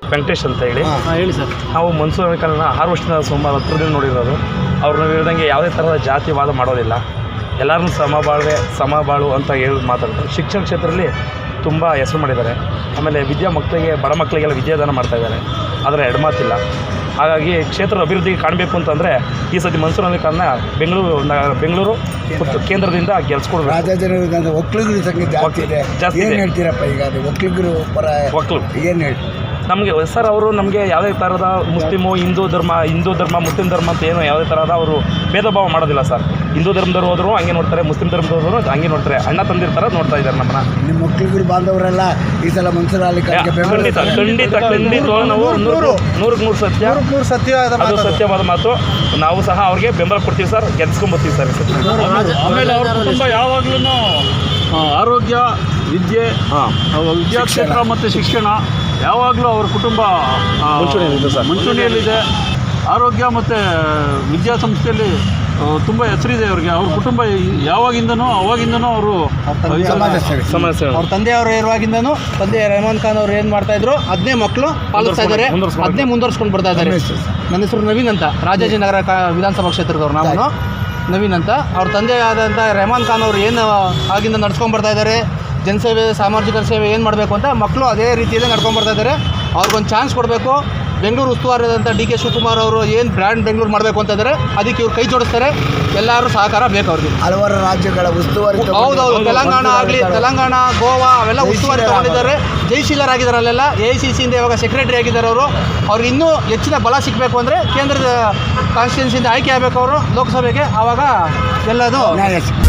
ವೆಂಕಟೇಶ್ ಅಂತ ಹೇಳಿ. ಹೇಳಿ ಸರ್. ನಾವು ಮನ್ಸೂರ್ ಅಲಿಖಾನ್ನ 6 ವರ್ಷದಿಂದ ಸುಮಾರು ಹತ್ರದಿಂದ ನೋಡಿರೋದು. ಅವ್ರನ್ನ ಹೇಳ್ದಂಗೆ ಯಾವುದೇ ಥರದ ಜಾತಿವಾದ ಮಾಡೋದಿಲ್ಲ, ಎಲ್ಲರನ್ನೂ ಸಮಬಾಳು ಅಂತ ಹೇಳಿ ಮಾತಾಡ್ತಾರೆ. ಶಿಕ್ಷಣ ಕ್ಷೇತ್ರದಲ್ಲಿ ತುಂಬ ಹೆಸರು ಮಾಡಿದ್ದಾರೆ. ಆಮೇಲೆ ಬಡ ಮಕ್ಕಳಿಗೆಲ್ಲ ವಿದ್ಯಾದಾನ ಮಾಡ್ತಾಯಿದ್ದಾರೆ, ಆದರೆ ಎಡಮಾತಿಲ್ಲ. ಹಾಗಾಗಿ ಕ್ಷೇತ್ರದ ಅಭಿವೃದ್ಧಿಗೆ ಕಾಣಬೇಕು ಅಂತಂದರೆ ಈ ಸತಿ ಮನ್ಸೂರ್ ಅಲಿಖಾನ್ನ ಬೆಂಗಳೂರು ಕೇಂದ್ರದಿಂದ ಗೆಲ್ಸ್ಕೊಡ್ಬೇಕು. ರಾಜಾಜಿನಗರದ ಒಕ್ಕಲಿಗರ ಸಂಖ್ಯೆ ಜಾಸ್ತಿ ಏನು ಹೇಳ್ತೀರಪ್ಪ? ಈಗ ಅದು ಒಕ್ಕಲಿಗರು ಏನು ಹೇಳಿ ನಮಗೆ ಸರ್, ಅವರು ನಮಗೆ ಯಾವುದೇ ಥರದ ಹಿಂದೂ ಧರ್ಮ ಮುಸ್ಲಿಂ ಧರ್ಮ ಅಂತ ಏನು ಯಾವುದೇ ಥರದ ಅವರು ಭೇದ ಭಾವ ಮಾಡೋದಿಲ್ಲ ಸರ್. ಹಿಂದೂ ಧರ್ಮದವರು ಹೋದ್ರು ಹಂಗೆ ನೋಡ್ತಾರೆ, ಮುಸ್ಲಿಂ ಧರ್ಮದವರು ಹಂಗೆ ನೋಡ್ತಾರೆ, ಅಣ್ಣ ತಂದಿರ ಥರ ನೋಡ್ತಾ ಇದ್ದಾರೆ ನಮ್ಮನ್ನ. ನಿಮ್ಮ ಒಕ್ಕಲಿಗರು ಬಾಂಧವರೆಲ್ಲ ಈ ಸಲ ಮನ್ಸೂರ್ ಅಲಿಖಾನ್ಗೆ ಖಂಡಿತ ನಾವು 100% ಸತ್ಯವಾದ ಮಾತು. ನಾವು ಸಹ ಅವ್ರಿಗೆ ಬೆಂಬಲ ಕೊಡ್ತೀವಿ ಸರ್, ಗೆಲ್ಸ್ಕೊಂಡ್ಬರ್ತೀವಿ ಸರ್. ಆಮೇಲೆ ಅವ್ರ ಕುಟುಂಬ ಯಾವಾಗಲೂ ಆರೋಗ್ಯ, ವಿದ್ಯಾಕ್ಷೇತ್ರ ಮತ್ತು ಶಿಕ್ಷಣ ಯಾವಾಗಲೂ ಅವ್ರ ಕುಟುಂಬ ಮುಂಚೂಣಿಯಲ್ಲಿದೆ. ಆರೋಗ್ಯ ಮತ್ತು ವಿದ್ಯಾಸಂಸ್ಥೆಯಲ್ಲಿ ತುಂಬ ಹೆಸರಿದೆ ಅವ್ರಿಗೆ. ಅವ್ರ ಕುಟುಂಬ ಅವಾಗಿಂದನೂ ಅವರು ಅವ್ರ ತಂದೆಯವರು ಇರುವಾಗಿಂದನೂ ತಂದೆ ರೆಹಮಾನ್ ಖಾನ್ ಅವರು ಏನು ಮಾಡ್ತಾಯಿದ್ರು ಅದನ್ನೇ ಮಕ್ಕಳು ಪಾಲಿಸ್ತಾ ಇದ್ದಾರೆ, ಅದನ್ನೇ ಮುಂದುವರ್ಸ್ಕೊಂಡು ಬರ್ತಾ ಇದ್ದಾರೆ. ನನ್ನ ಹೆಸರು ನವೀನ್ ಅಂತ, ರಾಜಾಜಿನಗರ ವಿಧಾನಸಭಾ ಕ್ಷೇತ್ರದವ್ರು. ನಾನು ನವೀನ್ ಅಂತ. ಅವ್ರ ತಂದೆ ಆದಂಥ ರೆಹಮಾನ್ ಖಾನ್ ಅವರು ಏನು ಆಗಿಂದ ನಡ್ಸ್ಕೊಂಡು ಬರ್ತಾ ಇದ್ದಾರೆ, ಜನಸೇವೆ, ಸಾಮಾಜಿಕ ಸೇವೆ ಏನು ಮಾಡಬೇಕು ಅಂತ ಮಕ್ಕಳು ಅದೇ ರೀತಿಯಲ್ಲೇ ನಡ್ಕೊಂಡು ಬರ್ತಾ ಇದ್ದಾರೆ. ಅವ್ರಿಗೊಂದು ಚಾನ್ಸ್ ಕೊಡಬೇಕು. ಬೆಂಗಳೂರು ಉಸ್ತುವಾರಿಯಾದಂಥ ಡಿ ಕೆ ಶಿವಕುಮಾರ್ ಅವರು ಏನು ಬ್ರ್ಯಾಂಡ್ ಬೆಂಗಳೂರು ಮಾಡಬೇಕು ಅಂತ ಇದ್ದಾರೆ, ಅದಕ್ಕೆ ಇವ್ರು ಕೈ ಜೋಡಿಸ್ತಾರೆ. ಎಲ್ಲರೂ ಸಹಕಾರ ಬೇಕು ಅವ್ರಿಗೆ. ಹಲವಾರು ರಾಜ್ಯಗಳ ಉಸ್ತುವಾರಿ. ಹೌದೌದು, ತೆಲಂಗಾಣ, ಗೋವಾ ಅವೆಲ್ಲ ಉಸ್ತುವಾರಿ ತಗೊಂಡಿದ್ದಾರೆ. ಜಯಶೀಲರಾಗಿದ್ದಾರೆ ಅಲ್ಲೆಲ್ಲ. AICCಯಿಂದ ಇವಾಗ ಸೆಕ್ರೆಟರಿ ಆಗಿದ್ದಾರೆ ಅವರು. ಅವ್ರಿಗೆ ಇನ್ನೂ ಹೆಚ್ಚಿನ ಬಲ ಸಿಗಬೇಕು ಅಂದರೆ ಕೇಂದ್ರದ ಕಾನ್ಸ್ಟಿಟ್ಯೂನ್ಸಿಯಿಂದ ಆಯ್ಕೆ ಆಗಬೇಕು ಅವರು ಲೋಕಸಭೆಗೆ. ಆವಾಗ ಎಲ್ಲದು